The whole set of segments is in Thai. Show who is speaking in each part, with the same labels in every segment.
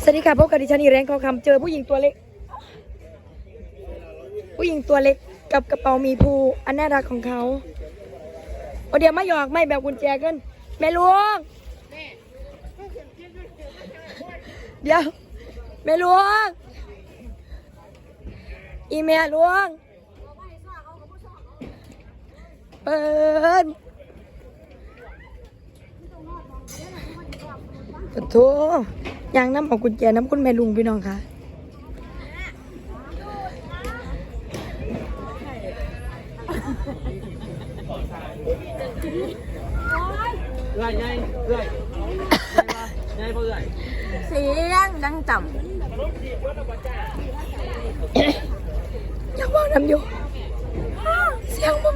Speaker 1: วัสดีค่ะพบกับดิฉันอีแรงทองคำเจอผู้หญิงตัวเล็กกับกระเป๋ามีภูอันน่ารักของเขาโอเดี๋ยวไม่หยอกไม่แบบกุญแจกันแม่หลวงเดี๋ยวแม่หลวงอีแม่หลวงเปิดขอโทษยางน้ำเอากุญแจน้ำคุณแม่ลุงพี่น้องค่ะ
Speaker 2: เรื่อยไงเรื่อยไงเพื่อน
Speaker 3: เสียงดังต่ำ
Speaker 1: ยังว่างน้ำอยู่เสียงมึง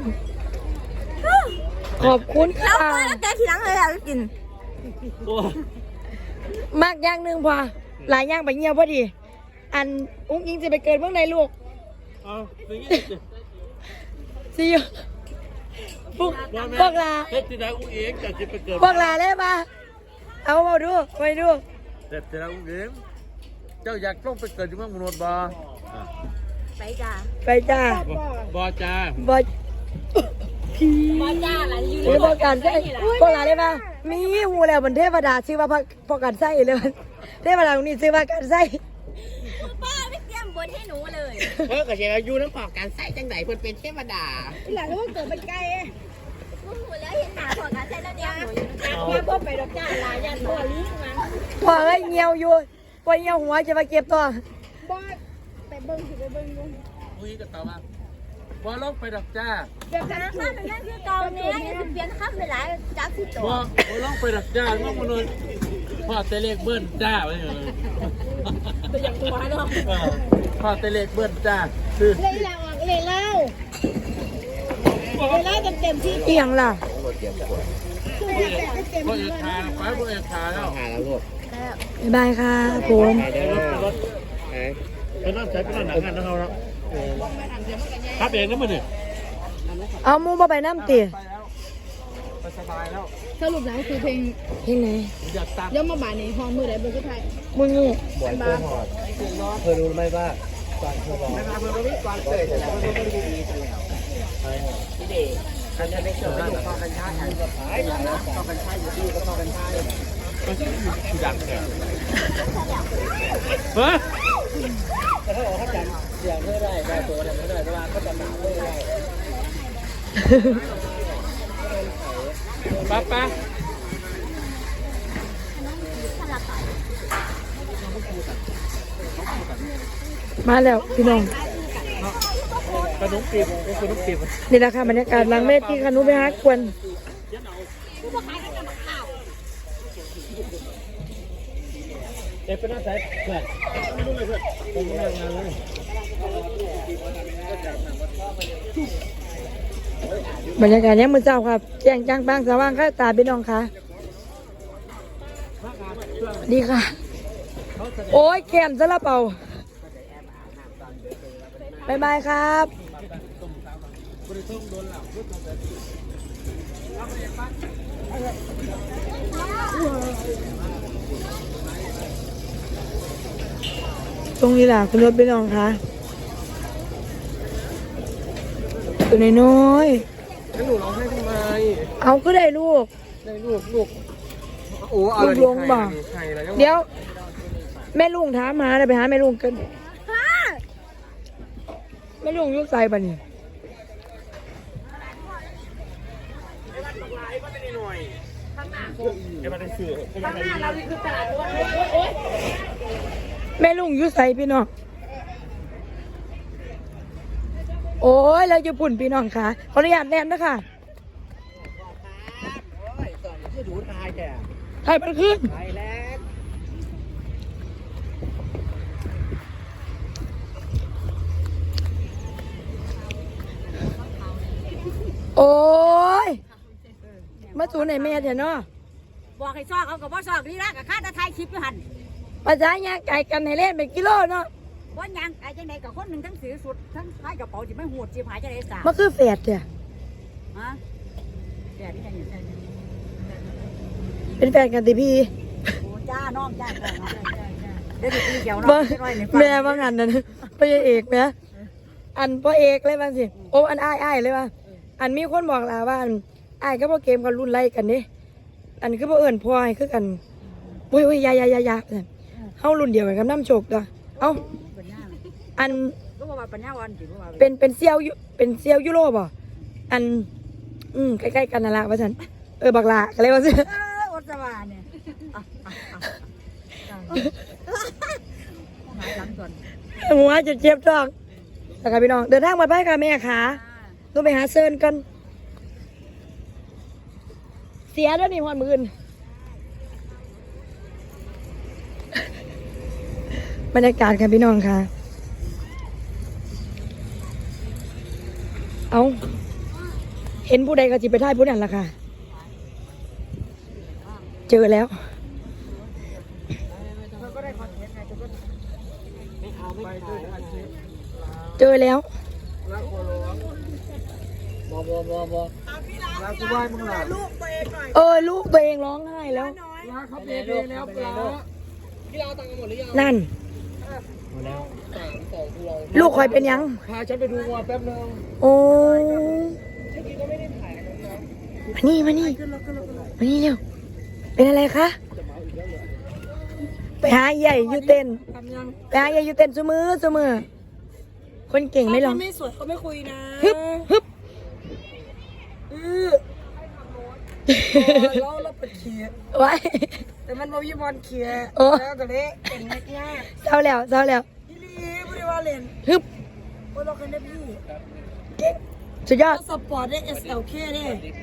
Speaker 1: ขอบคุณ
Speaker 3: แล้
Speaker 1: ค่ะ
Speaker 3: วแกทีหลังเลยอยกิน
Speaker 1: มากอย่างหนึ่งพอหลายอย่างไปเงียบพอดีอันอุ้งอิงจะไปเกิดเมื่อไหร่ลูกสิอยู่พวกลา
Speaker 2: เฮ็ดที่ไหนอุ้งเองแต่จะไปเกิด
Speaker 1: พวกลาได้ปะเอามาดูไปดู
Speaker 2: เฮ็ดที่ไหนอุ้งเองเจ้าอยากต้องไปเกิดที่เมืองมนุษย์บ่
Speaker 3: ไปจ้า
Speaker 1: ไปจ้า
Speaker 2: บ่จ้า
Speaker 1: บอย
Speaker 3: บอจ้าอะไรอยู่
Speaker 1: หรือพวกการใส่พวกลาได้ปะมีหูแล้วบนเทวดาชื่อว่าพวกการใส่เลยเทวดาตรงนี้ชื่อว่าการใส่
Speaker 3: ป้าไม่เตรียมบทให้หนูเลย
Speaker 4: ก็จะอายุน้ำพอการใส่จังไหนเพิ่นเป็นเทวดา
Speaker 3: หลังว่าเกิดเป็นไก่กูหูแล้วเห็นหนาพอการใช้แล้วเดียวหนูอยู่พ่อไปดอกจ้าลายยันพ่อลิ้นมัน
Speaker 1: พอเอ้ยเงียวอยู่พอเงียวหัวจะมาเก็บตัว
Speaker 3: บ้าไปเบิ้งสิไปเบิ้งดู
Speaker 2: อุ้งก็ตอบว่าบ่ลงไปดอกจ้า
Speaker 3: เดี๋ยวนะข้ามเป็นนั่นคือเก่าเนี่ยยังเปลี่ยนข้ามไปหลายจากสิตัว
Speaker 2: บ่ลงไปดอกจ้าเมืองมนุษย์พ่อเตเลขเบิ้นจ้าไปเลย
Speaker 3: ตัวอย่างตัวเนาะ
Speaker 2: พ่อเตเลขเบิ้นจ้าคือ
Speaker 3: เลยเล่าเลยเล่าเต็มที่
Speaker 1: เอียงล่ะ
Speaker 2: บ่เอกขาไปบ่เอกขาแล้ว
Speaker 4: หาแล้วลูก
Speaker 1: บ๊ายบายค่ะผม
Speaker 4: ไปเด้อไป
Speaker 2: ไปนั่งใช้ไปนั่งหนังกันนะเขาแล้วครับเองนะมันนี่
Speaker 1: เอามูมาไปน้ำตี
Speaker 2: ไปแล้วไปสบายแล้ว
Speaker 3: สรุปแล้วคือเพลง
Speaker 1: เพลงไหน
Speaker 2: อยากตัด
Speaker 3: ย่อมมาบ่ายในห้องมือไหนเบอร์คือไทย
Speaker 1: มึงนี่
Speaker 4: บอยโกหอดเธอรู้ไหมว่าตอนเธอบอกก่อนเกิดแล้วมันไม่ดีกันแล้วพี่เด็กอันนี้ไม่เกิดลูกพ่อกันชาติพ่อกันชาติอยู่ที่ก็พ่อกันชาติ
Speaker 2: มันชื่อดังแค่เฮ้ย
Speaker 4: แต่ถ้าบอกเขาจำเสียงเท่าไรได้ตัวอะไรไม่ได้แต่ว่าเขาจำหนาไม่ได้
Speaker 2: ป้าป้า
Speaker 1: มาแล้วพี่น้อง
Speaker 2: ขนมปีบเป็นขนมปีบ
Speaker 1: นี่แหละค่ะบรรยากาศหลังเวทีค่ะหนุไปหากวน
Speaker 2: เอ๊ะเป็นหน้าใส่เพื่อนไม่รู้เลยเพื่อนผมทำงานเลย
Speaker 1: บรรยากาศเนี้ยมือเจ้าครับแจ้งจ้างบ้างสว่างค่ะตาพี่น้องค่ะดีค่ะ โอ้ยแขนซะละเปล่าบายบายครับตรงนี้แหละคุณรถพี่น้องค่ะตัวน้อย
Speaker 4: แล้วหนูร้องไห้ทำไม
Speaker 1: ๆเอาก็ได้ลูก
Speaker 4: ได้ลูกโอ้เอา
Speaker 1: ลูกลงบ่
Speaker 4: ใครแล้ว
Speaker 1: เดี๋ยว แม่ลุงถามหาเลยไปหาแม่ลุงกันแม่ลุงยุกใส่ปะนี่แม่ลุงยุกใส่พี่น้องโอ้ยเราจะปุ่นพี่น้องค่ะขออนุญาตแนมนะคะ
Speaker 4: จะดูตายแก
Speaker 1: ไทยมันขึ้น
Speaker 4: ตายแล้ว
Speaker 1: โอ้ยมาสูนไหนแม่เถอะเนาะ
Speaker 3: บอกให้ซอกเขากับว่าซอกนี่ละกับข้าตะไทยคลิปอยู่หัน
Speaker 1: ภาษาเนี่ยไก่กันให้เล่นเป็นกิโลเนาะ
Speaker 3: ว่ายังไอ้จังใดกับคนหนึ่งทั้งถือสุดทั้งพายกระเป๋าที่ไม่หูดจีบหายจะได้สาม
Speaker 1: มันคือแฝดเนี่ย
Speaker 3: ฮะแกนี่ยังอยู่ใช่ไหม
Speaker 1: เป็นแฟนกันติพี่
Speaker 3: โอ้จ้าน้องจ้าจ้าจ้าจ้าได้ดูตีเขียว
Speaker 1: บ่
Speaker 3: เนาะน้อยในฟัง
Speaker 1: แม่ว่างานนั้นพ่อเอกแม่อันพ่อเอกเลยว่าสิโอ้อันอ้ายเลยว่าอันมีคนบอกลาว่าอันอ้ายก็พ่อเกมกันรุ่นไล่กันนี่อันคือพ่อเอิญพ่อให้คือกันโอ้ยยาเฮารุ่นเดียวกันกับน้ำโชคตัวเอ้า
Speaker 3: ปัญญา
Speaker 1: อัน
Speaker 3: ก็ว่าปัญญาวันสิว่า
Speaker 1: เป็นเซียวยุโรปอ่ะอันใกล้ๆกันนั่นละว่าฉันบักลาก็เลยว่าสิ
Speaker 3: อดสวาเนี่ยหายหลังก่อน
Speaker 1: หัวจะเจ็บท้องแต่ค่ะพี่น้องเดินทางมาไปค่ะแม่ขาต้องไปหาเซิร์นกันเสียแล้วนี่หอนมือนบรรยากาศค่ะพี่น้องค่ะเอาเห็นผู้ใดก็จิไปท่ายผู้นั้นล่ะค่ะเจอแล้วเจอแล้ว
Speaker 4: ลากูไหว้มึงล่ะ
Speaker 1: ลูกตัวเองร้องไห้แล้ว
Speaker 4: ลาเขาเบรแล้วปลาพี่เราตังค์หมดหรือยัง
Speaker 1: นั่น
Speaker 2: หมดแล้ว
Speaker 1: ลูกคอยเป็นยัง
Speaker 4: พาฉันไปดูวัวแป๊บนึง
Speaker 1: โอ้มานี่เร็วเป็นอะไรคะไปหาใหญ่ยูเต้นไปหาใหญ่ยูเต้นเสมอคนเก่งไม่หรอก
Speaker 3: ไม่สวยเขาไม่คุยนะ
Speaker 1: ฮึบ
Speaker 3: เราเปิดเขีย
Speaker 1: ไว้
Speaker 3: แต่มันบ่มีบอลเขีย
Speaker 1: โอ้
Speaker 3: แล้วก็เลยเก่งมาก
Speaker 1: เศร้าแล้ว
Speaker 3: พี่ลีไม่ได้ว่าเล่น
Speaker 1: ฮึบ
Speaker 3: โอ้เราเคยได้พี่
Speaker 1: เก่งสุดยอด
Speaker 3: สปอร์ตได้ SLK ได้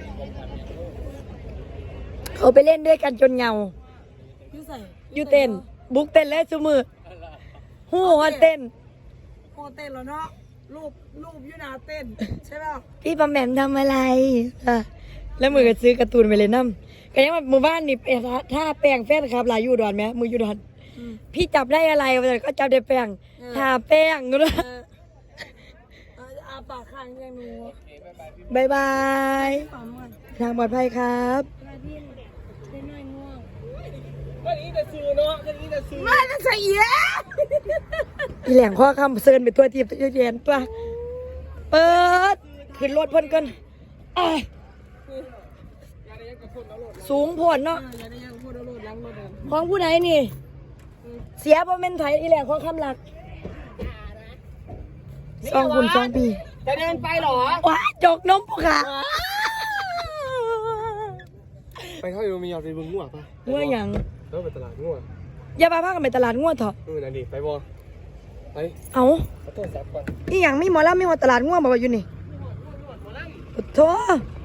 Speaker 1: เขาไปเล่นด้วยกันจนเงา
Speaker 3: พี่ใส่
Speaker 1: ยูเต้นบุกเต้นและเสมอหูฮอนเต้น
Speaker 3: โอเต้นแล้วเนาะรูปยูนาเต้นใช่ป่ะ
Speaker 1: พี่ปอมแหม่มทำอะไรแล้วมือก็ซื้อการ์ตูนไปเลยน้ำก็ยังว่าหมู่บ้านนี่ถ้าแปลงแฟนครับหลายอยู่ดอนไหมมืออยู่ดอนพี่จับได้อะไรก็จับได้แป้งทาแป้งก็ได้
Speaker 3: อาปากค้างยังหนู
Speaker 1: บายบาย
Speaker 3: ปั๊มก่อน
Speaker 1: ทางปลอดภัยครับ
Speaker 3: พี่ได้น้อยง่วง
Speaker 4: ก็นี้จะซื้อเนาะก็นี้จะซื้อ
Speaker 3: ไม่จะใส่เยอะ
Speaker 1: อีแหลงข้อคำเซินไปตัวทีบตัวเย็นตัวเปิดขึ้นรถเพิ่นกันอ้ายสูงโผล่เนาะ
Speaker 3: อย่าได้ยังพูดเอาโลดล้างรถเดิม
Speaker 1: ของผู้ใดนี่ เสียบ่แม่นไทยอีแหลงข้อคำหลัก2 ปี
Speaker 4: จะเดินไปหรอ
Speaker 1: ว้าจกนมปุ๊กค่ะ
Speaker 4: ไปเข้าอยู่มีเอาไปบึงง่วงป่ะ
Speaker 1: ง่วงหยัง
Speaker 4: แล้วไปตลาดง่วง
Speaker 1: อย่าพาพากันไปตลาดง่วงเถอะ
Speaker 4: นั่นดิไปบ่ไป
Speaker 1: เอา
Speaker 4: ขอโทษซับก่อน
Speaker 1: อีหยังมีหมอลำมีหมอตลาดง่วงบอกว่าอยู่นี่โอ้โธ่